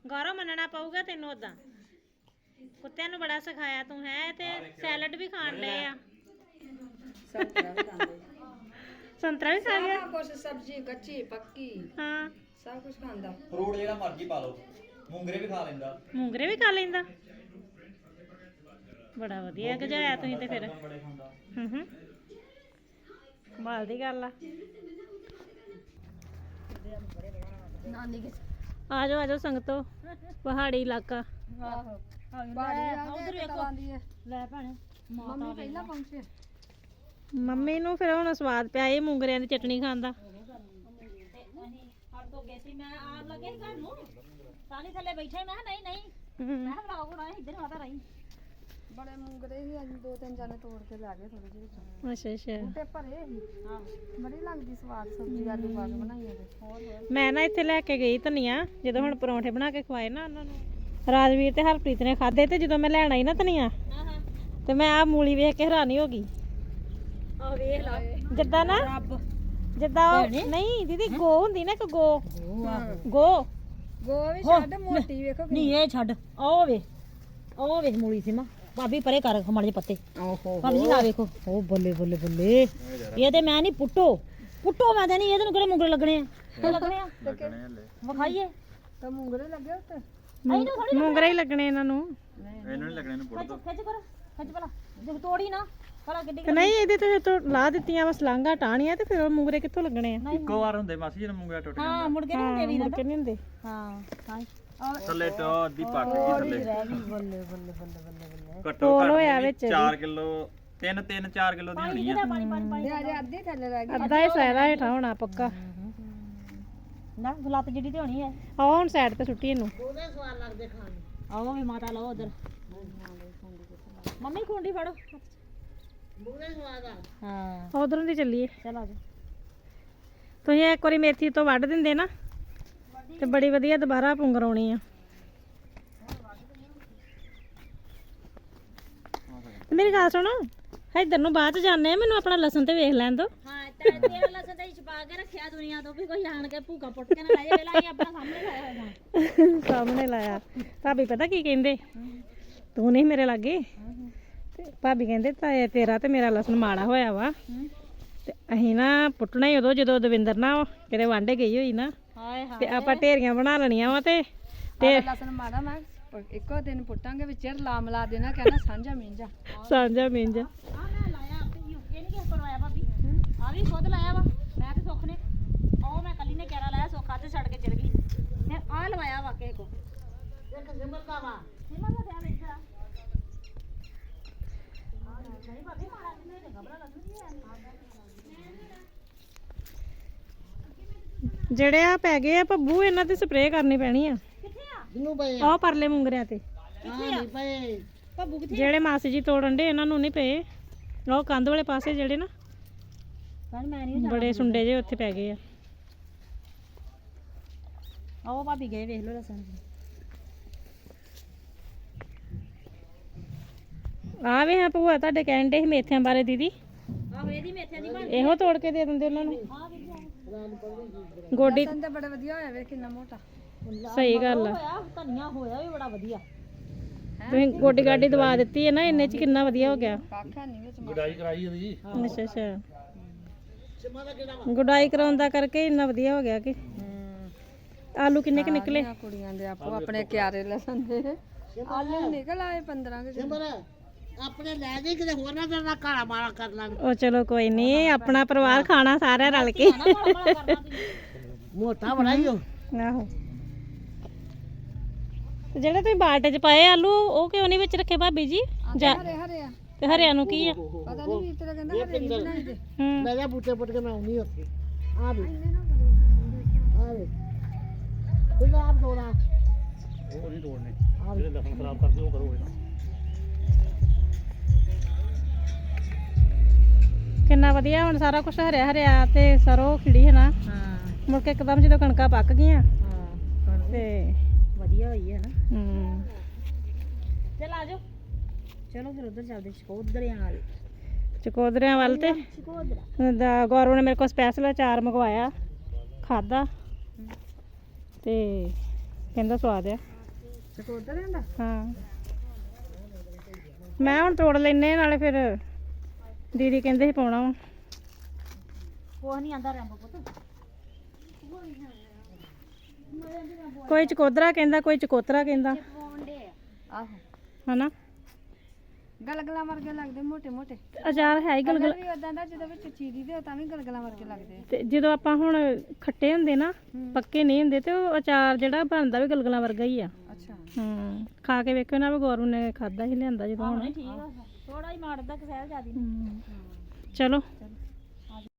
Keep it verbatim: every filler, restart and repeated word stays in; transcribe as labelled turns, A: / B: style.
A: ਗੌਰਵ ਮੰਨਣਾ ਪਊਗਾ ਤੈਨੂੰ ਉਦਾਂ ਕੁੱਤਿਆਂ ਨੂੰ ਬੜਾ ਸਿਖਾਇਆ ਤੂੰ ਹੈ ਤੇ ਸੈਲਡ ਵੀ ਖਾਣ ਲਏ ਆ
B: ਸੰਤਰਾ ਵੀ ਖਾਂਦੇ
A: ਸੰਤਰਾ ਵੀ ਖਾ ਗਿਆ
B: ਸਾਰਾ ਕੁਝ ਸਬਜ਼ੀ ਕੱਚੀ ਪੱਕੀ
A: ਹਾਂ
B: ਸਭ ਕੁਝ ਖਾਂਦਾ
C: ਫਰੂਟ ਜਿਹੜਾ ਮਰਜ਼ੀ ਪਾ ਲਓ ਮੂੰਗਰੇ ਵੀ ਖਾ ਲੈਂਦਾ
A: ਮੂੰਗਰੇ ਵੀ ਖਾ ਲੈਂਦਾ ਬੜਾ ਵਧੀਆ ਗਜਾਇਆ ਤੁਸੀਂ ਤੇ ਫਿਰ
C: ਬੜੇ ਖਾਂਦਾ
A: ਹੂੰ ਹੂੰ ਕਮਾਲ ਦੀ ਗੱਲ ਆ
B: ਨਾਨੀ ਕੇ
A: ਆ ਜਾਓ ਆ ਜਾਓ ਸੰਗਤੋ ਪਹਾੜੀ ਇਲਾਕਾ
B: ਆਹੋ ਬਾੜੀ ਆ ਉਧਰ ਵੇਖੋ
A: ਲੈ ਭੈਣੇ
B: ਮੰਮੀ ਪਹਿਲਾਂ ਪਹੁੰਚੇ
A: ਮੰਮੀ ਨੂੰ ਫਿਰ ਹੁਣ ਸਵਾਦ ਪਿਆ ਇਹ ਮੂੰਗਰਿਆਂ ਦੀ ਚਟਣੀ ਖਾਣ ਦਾ
D: ਮੈਂ ਆਪ ਲੱਗੇ ਘਰ ਨੂੰ ਸਾਲੀ ਥੱਲੇ ਬੈਠੇ ਮੈਂ ਨਹੀਂ ਨਹੀਂ
A: ਹਮ।
D: ਮੈਂ ਵਲੌਗ ਬਣਾਇਆ ਇੱਧਰ ਮਾਤਾ ਰਹੀ
B: ਬੜੇ ਮੂੰਗਰੇ ਸੀ ਅੱਜ ਦੋ ਤਿੰਨ ਜਾਨੇ ਤੋੜ ਕੇ ਲੈ ਗਏ ਥੋੜੇ ਜਿਹੇ ਵਿੱਚੋਂ
A: ਅੱਛਾ ਅੱਛਾ
B: ਬੂਟੇ ਭਰੇ ਸੀ ਬੜੀ ਲੱਗਦੀ ਸਵਾਦ ਸਬਜ਼ੀ ਆਲੂ ਪਾ ਕੇ ਬਣਾਈਆਂ ਤੇ ਹੋਰ ਹੋਰ
A: ਮੈਂ ਨਾ ਇੱਥੇ ਲੈ ਕੇ ਗਈ ਧਨੀਆ ਜਦੋਂ ਹੁਣ ਪਰੌਂਠੇ ਬਣਾ ਕੇ ਖਵਾਏ ਨਾ ਉਹਨਾਂ ਨੂੰ ਰਾਜਵੀਰ ਤੇ ਹਰਪ੍ਰੀਤ ਨੇ ਖਾਦੇ ਤੇ ਜਦੋਂ ਮੈਂ ਲੈਣ ਆਈ ਨਾ ਧਨੀਆ ਤੇ ਮੈਂ ਆ ਮੂਲੀ ਵੇਖ ਕੇ ਹੈਰਾਨੀ ਹੋ ਗਈ
D: ਆਹ ਵੇਖ ਲਾ
A: ਜਿੱਦਾਂ ਨਾ ਜਿੱਦਾਂ ਉਹ ਨਹੀਂ ਦੀਦੀ ਗੋ ਹੁੰਦੀ ਨਾ ਇੱਕ ਗੋ ਗੋ
B: ਗੋ ਵੀ ਛੱਡ ਮੋਟੀ ਵੇਖੋ
D: ਨਹੀਂ ਇਹ ਛੱਡ ਉਹ ਵੇ ਉਹ ਵੇਖ ਮੂਲੀ ਸੀ ਮਾਂ ਭਾਬੀ ਪਰੇ ਕਰ ਖਮਾੜੇ ਜਿਹੇ ਪੱਤੇ
B: ਓਹੋ
D: ਭਾਬੀ ਜੀ ਆ ਵੇਖੋ ਉਹ ਬੱਲੇ ਬੱਲੇ ਬੱਲੇ ਇਹ ਤੇ ਮੈਂ ਨਹੀਂ ਪੁੱਟੋ ਪੁੱਟੋ ਮੈਂ ਤੇ ਨਹੀਂ ਇਹਦੇ ਨੂੰ ਕਿਹੜੇ ਮੁੰਗਰੇ ਲੱਗਣੇ ਆ ਤੇ ਲੱਗਣੇ ਆ ਵਿਖਾਈਏ
B: ਤਾਂ ਮੂੰਗਰੇ ਲੱਗੇ ਉੱਤੇ
A: ਮੂੰਗਰੇ ਹੀ ਲੱਗਣੇ ਇਹਨਾਂ ਨੂੰ
C: ਇਹਨੂੰ ਨਹੀਂ ਲੱਗਣੇ ਇਹਨੂੰ ਪੁੱਟ ਦੋ
D: ਖਿੱਚ ਕਰ ਖਿੱਚ ਭਲਾ ਜੇ ਤੋੜੀ ਨਾ ਭਲਾ ਕਿੱਡੀ
A: ਤੇ ਨਹੀਂ ਇਹਦੇ ਤੇ ਤੋਂ ਲਾ ਦਿੱਤੀਆਂ ਬਸ ਲਾਂਘਾ ਟਾਣੀਆਂ ਤੇ ਫਿਰ ਉਹ ਮੂੰਗਰੇ ਕਿੱਥੋਂ ਲੱਗਣੇ ਆ
C: ਇੱਕੋ ਵਾਰ ਹੁੰਦੇ ਮਾਸੀ ਜਦੋਂ ਮੂੰਗਰਾ ਟੁੱਟ ਜਾਂਦਾ
D: ਹਾਂ ਮੁੜ ਕੇ ਨਹੀਂ ਹੁੰਦੇ ਵੀਰ
A: ਮੁੜ ਕੇ ਨਹੀਂ ਹੁੰਦੇ
D: ਹਾਂ ਹਾਂ
C: ਥੱਲੇ ਤੋਂ ਅੱਧੀ ਪੱਕ ਗਈ ਥੱਲੇ
D: ਰਹਿ ਗਈ ਬੱਲੇ ਬੱਲੇ ਬੱਲੇ ਬੱਲੇ ਬੱਲੇ
C: ਘੱਟੋ
A: ਤੋਲ ਹੋਇਆ ਵਿੱਚ
C: ਘੱਟ ਚਾਰ ਕਿਲੋ ਤਿੰਨ ਤਿੰਨ ਚਾਰ ਕਿਲੋ ਦੀ ਹੋਣੀ ਆ
D: ਪਾਣੀ ਪਾਣੀ ਪਾਣੀ
B: ਤੇ ਅਜੇ ਅੱਧੇ ਥੱਲੇ ਰਹਿ ਗਏ
A: ਅੱਧਾ ਹੀ ਸਾਰਾ ਹੇਠਾਂ ਹੋਣਾ ਪੱਕਾ
D: ਨਾ ਗੁਲਾਤ ਜਿਹੜੀ ਤੇ ਹੋਣੀ ਹੈ
A: ਆਹ ਹੁਣ ਸਾਈਡ ਤੇ ਸੁੱਟੀ ਇਹਨੂੰ
D: ਆਓ ਵੀ ਮਾਤਾ ਲਓ ਉਧਰ ਮੰਮੀ ਖੁੰਡੀ ਫੜੋ ਹਾਂ
A: ਉਧਰੋਂ ਦੀ ਚੱਲੀਏ
D: ਚਲ ਆ ਜਾ
A: ਤੁਸੀਂ ਇੱਕ ਵਾਰੀ ਮੇਥੀ ਤੋਂ ਵੱਢ ਦਿੰਦੇ ਨਾ ਤੇ ਬੜੀ ਵਧੀਆ ਦੁਬਾਰਾ ਪੁੰਗਰਾਉਣੀ ਆ ਤੇ ਮੇਰੀ ਗੱਲ ਸੁਣੋ ਇੱਧਰ ਨੂੰ ਬਾਅਦ ਚ ਜਾਂਦੇ ਆ ਮੈਨੂੰ ਆਪਣਾ ਲਸਣ ਤੇ ਵੇਖ ਲੈਣ ਦੋ
D: ਹਾਂ ਤੇ ਤੇਰਾ ਲਸਣ ਤੇ ਛਪਾ ਕੇ ਰੱਖਿਆ ਦੁਨੀਆ ਤੋਂ ਵੀ ਕੋਈ ਆਣ ਕੇ ਭੂਕਾ ਪੁੱਟ ਕੇ ਨਾ ਲੈ ਜਾਵੇ ਲਾ ਆਪਣਾ ਸਾਹਮਣੇ ਲਾਇਆ ਹੋਇਆ
A: ਸਾਹਮਣੇ ਲਾਇਆ ਭਾਬੀ ਪਤਾ ਕੀ ਕਹਿੰਦੇ ਤੂੰ ਨਹੀਂ ਮੇਰੇ ਲਾਗੇ ਤੇ ਭਾਬੀ ਕਹਿੰਦੇ ਤਾਂ ਤੇਰਾ ਤੇ ਮੇਰਾ ਲਸਣ ਮਾੜਾ ਹੋਇਆ ਵਾ ਤੇ ਅਸੀਂ ਨਾ ਪੁੱਟਣਾ ਹੀ ਉਦੋਂ ਜਦੋਂ ਦਵਿੰਦਰ ਨਾ ਕਿਤੇ ਵਾਂਢੇ ਗਈ ਹੋਈ ਨਾ
D: ਹਾਏ ਹਾਏ
A: ਤੇ ਆਪਾਂ ਢੇਰੀਆਂ ਬਣਾ ਲੈਣੀਆਂ ਵਾ ਤੇ
B: ਤੇ ਲਸਣ ਮਾੜਾ ਮੈਂ ਇੱਕੋ ਦਿਨ ਪੁੱਟਾਂਗੇ ਵਿੱਚ ਲਾ ਮਿਲਾ ਦੇਣਾ ਕਹਿਣਾ ਸਾਂਝਾ ਮਿੰਜਾ
A: ਸਾਂਝਾ ਮਿੰਜ
D: ਆ ਮੈਂ ਲਾਇਆ ਆਪੇ ਹੀ ਇਹ ਨਹੀਂ ਕਿਸੇ ਕੋਲ ਆਇਆ ਭਾਬੀ ਆ ਵੀ ਖੁਦ ਲਾਇਆ ਵਾ ਮੈਂ ਤੇ ਸੁੱਖ ਨੇ ਉਹ ਮੈਂ ਕੱਲੀ ਨੇ ਕਿਹੜਾ ਲਾਇਆ ਸੁੱਖ ਅੱਜ ਛੱਡ ਕੇ ਚਲ ਗਈ ਤੇ ਆ ਲਵਾਇਆ ਵਾ ਕਿਸੇ ਕੋ ਇੱਕ ਸਿਮਰ ਦਾ ਵਾ ਸਿਮਰ ਦਾ ਧਿਆਨ ਇੱਧਰ ਆ ਨਹੀਂ ਭਾਬੀ ਮਾਰਾ ਕਿੰਨੇ ਦੇ ਘਬਰਾ ਲੱਗਦੀ ਹੈ
A: ਜਿਹੜੇ ਆ ਪੈ ਗਏ ਆ ਭੱਬੂ ਇਹਨਾਂ ਤੇ ਸਪਰੇਅ ਕਰਨੀ ਪੈਣੀ ਆ
D: ਕਿੱਥੇ ਆ
B: ਜਿਹਨੂੰ ਪਏ
A: ਆਹ ਪਰਲੇ ਮੁੰਗਰਿਆਂ ਤੇ
D: ਕਿੱਥੇ ਆ
B: ਪਏ
D: ਭਾਬੂ ਕਿੱਥੇ
A: ਜਿਹੜੇ ਮਾਸੀ ਜੀ ਤੋੜਨ ਦੇ ਇਹਨਾਂ ਨੂੰ ਨਹੀਂ ਪਏ ਉਹ ਕੰਧ ਵਾਲੇ ਪਾਸੇ ਜਿਹੜੇ ਨਾ
D: ਪਰ ਮੈਂ ਨਹੀਂ
A: ਬੜੇ ਸੁੰਡੇ ਜੇ ਉੱਥੇ ਪੈ ਗਏ ਆ
D: ਆਓ ਭਾਬੀ ਗਏ ਵੇਖ ਲੋ ਲਸਣ
A: ਆ ਵੇ ਹਾਂ ਭੂਆ ਤੁਹਾਡੇ ਕਹਿਣ ਦੇ ਸੀ ਮੇਥਿਆਂ ਬਾਰੇ ਦੀਦੀ
D: ਆਹੋ ਇਹਦੀ ਮੇਥਿਆਂ ਦੀ ਬਣ
A: ਇਹੋ ਤੋੜ ਕੇ ਦੇ ਦਿੰਦੇ ਉਹਨਾਂ ਨੂੰ
D: ਆ ਵੀ
A: ਗੋਡੀ
B: ਲਸਣ ਤਾਂ ਬੜਾ ਵਧੀਆ ਹੋਇਆ ਵੇ ਕਿੰਨਾ ਮੋਟਾ
A: ਸਹੀ ਗੱਲ ਆ
D: ਹੋਇਆ ਧਨੀਆ ਹੋਇਆ ਵੀ ਬੜਾ ਵਧੀਆ
A: ਤੁਸੀਂ ਗੋਡੀ ਗਾਡੀ ਦਵਾ ਦਿੱਤੀ ਹੈ ਨਾ ਇੰਨੇ ਚ ਕਿੰਨਾ ਵਧੀਆ ਹੋ ਗਿਆ
B: ਕਾਖਾ ਨਹੀਂ ਵਿੱਚ
C: ਗੁਡਾਈ ਕਰਾਈ ਉਹਦੀ
A: ਅੱਛਾ ਅੱਛਾ ਗੁਡਾਈ ਕਰਾਉਣ ਦਾ ਕਰਕੇ ਇੰਨਾ ਵਧੀਆ ਹੋ ਗਿਆ ਕਿ ਆਲੂ ਕਿੰਨੇ ਕਿ ਨਿਕਲੇ
B: ਸਾਰੀਆਂ ਕੁੜੀਆਂ ਦੇ ਆਪੋ ਆਪਣੇ ਕਿਆਰੇ ਲਸਣ ਦੇ ਆਲੂ ਨਿਕਲ ਆਏ ਪੰਦਰਾਂ ਕੇ
E: ਆਪਣੇ ਲੈ ਦੇ ਕਿਤੇ ਹੋਰ ਨਾ ਤੇਰਾ ਕਾਲਾ ਮਾਰਾ ਕਰ ਲਾਂ
A: ਉਹ ਚਲੋ ਕੋਈ ਨਹੀਂ ਆਪਣਾ ਪਰਿਵਾਰ ਖਾਣਾ ਸਾਰਿਆਂ ਰਲ ਕੇ
E: ਮੋਟਾ ਬੜਾ ਹੀ ਉਹ
A: ਆਹੋ ਤੇ ਜਿਹੜੇ ਤੁਸੀਂ ਬਾਲਟੇ ਚ ਪਾਏ ਆਲੂ ਉਹ ਕਿਉਂ ਨਹੀਂ ਵਿੱਚ ਰੱਖੇ ਭਾਬੀ ਜੀ ਜਾਂ
B: ਹਰੇ ਹਰੇ ਆ
A: ਤੇ ਹਰਿਆਂ ਨੂੰ ਕੀ ਆ
B: ਪਤਾ ਨਹੀਂ ਵੀ ਤੇਰਾ ਕਹਿੰਦਾ ਹਰੇ ਨਹੀਂ ਬਣਾਈ ਦੇ
A: ਹੂੰ
E: ਮੈਂ ਜਾ ਬੂਟੇ ਪੁੱਟ ਕੇ ਮੈਂ ਆਉਣੀ ਉੱਥੇ ਆ ਵੀ ਆ ਵੇ ਇਹ ਆਪ ਤੋੜਾ
C: ਉਹ ਨਹੀਂ ਤੋੜਨੇ ਜਿਹੜੇ ਲਸਣ ਖਰਾਬ ਕਰਦੇ ਉਹ ਕਰੋ
A: ਕਿੰਨਾ ਵਧੀਆ ਹੁਣ ਸਾਰਾ ਕੁਝ ਹਰਿਆ ਹਰਿਆ ਤੇ ਸਰੋਂ ਖਿੜੀ ਹੈ ਨਾ
D: ਹਾਂ
A: ਮੁੜ ਕੇ ਇੱਕਦਮ ਜਦੋਂ ਕਣਕਾਂ ਪੱਕ ਗਈਆਂ
D: ਹਾਂ
A: ਤੇ
D: ਵਧੀਆ ਹੋਈ ਹੈ ਨਾ
A: ਹੂੰ
D: ਚਲ ਆ ਜਾਓ ਚਲੋ ਫਿਰ ਉਧਰ ਚੱਲਦੇ ਚਕੋਦਰਿਆਂ ਵਾਲ
A: ਚਕੋਦਰਿਆਂ ਵੱਲ ਤੇ
D: ਚਕੋਦਰਾ
A: ਦਾ ਗੌਰਵ ਨੇ ਮੇਰੇ ਕੋਲ ਸਪੈਸ਼ਲ ਅਚਾਰ ਮੰਗਵਾਇਆ ਖਾਦਾ ਤੇ ਕਹਿੰਦਾ ਸਵਾਦ ਆ
B: ਚਕੋਦਰ ਹੁੰਦਾ
A: ਹਾਂ ਮੈਂ ਹੁਣ ਤੋੜ ਲੈਨੇ ਨਾਲੇ ਫਿਰ ਦੀਦੀ ਕਹਿੰਦੇ ਸੀ ਪਾਉਣਾ ਵਾ
D: ਕੁਛ ਨਹੀਂ ਆਂਦਾ ਰੰਬ ਪੁੱਤ
A: ਕੋਈ ਚਕੋਦਰਾ ਕਹਿੰਦਾ ਕੋਈ ਚਕੋਤਰਾ ਕਹਿੰਦਾ
D: ਪਾਉਂਦੇ ਆ
B: ਆਹੋ
A: ਹਨਾ
B: ਗਲਗਲਾਂ ਵਰਗੇ ਲੱਗਦੇ ਮੋਟੇ ਮੋਟੇ
A: ਅਚਾਰ ਹੈ ਹੀ ਗਲਗਲ
B: ਵੀ ਉਦਾਂ ਦਾ ਜਦੋਂ ਵਿੱਚ ਚੀਰੀ ਦੇ ਤਾਂ ਵੀ ਗਲਗਲਾਂ ਵਰਗੇ ਲੱਗਦੇ ਆ।
A: ਤੇ ਜਦੋਂ ਆਪਾਂ ਹੁਣ ਖੱਟੇ ਹੁੰਦੇ ਨਾ ਪੱਕੇ ਨਹੀਂ ਹੁੰਦੇ ਤੇ ਉਹ ਅਚਾਰ ਜਿਹੜਾ ਬਣਦਾ ਵੀ ਗਲਗਲਾਂ ਵਰਗਾ ਹੀ ਆ
B: ਅੱਛਾ
A: ਹੂੰ ਖਾ ਕੇ ਵੇਖੋ ਨਾ ਵੀ ਗੌਰਵ ਨੇ ਖਾਦਾ ਹੀ ਲਿਆਂਦਾ ਜਦੋਂ ਹੁਣ
D: ਠੀਕ ਆ ਥੋੜਾ ਹੀ ਮਾਰਦਾ ਕਸੈਲ ਜਿਆਦੀ
A: ਹੂੰ। ਚਲੋ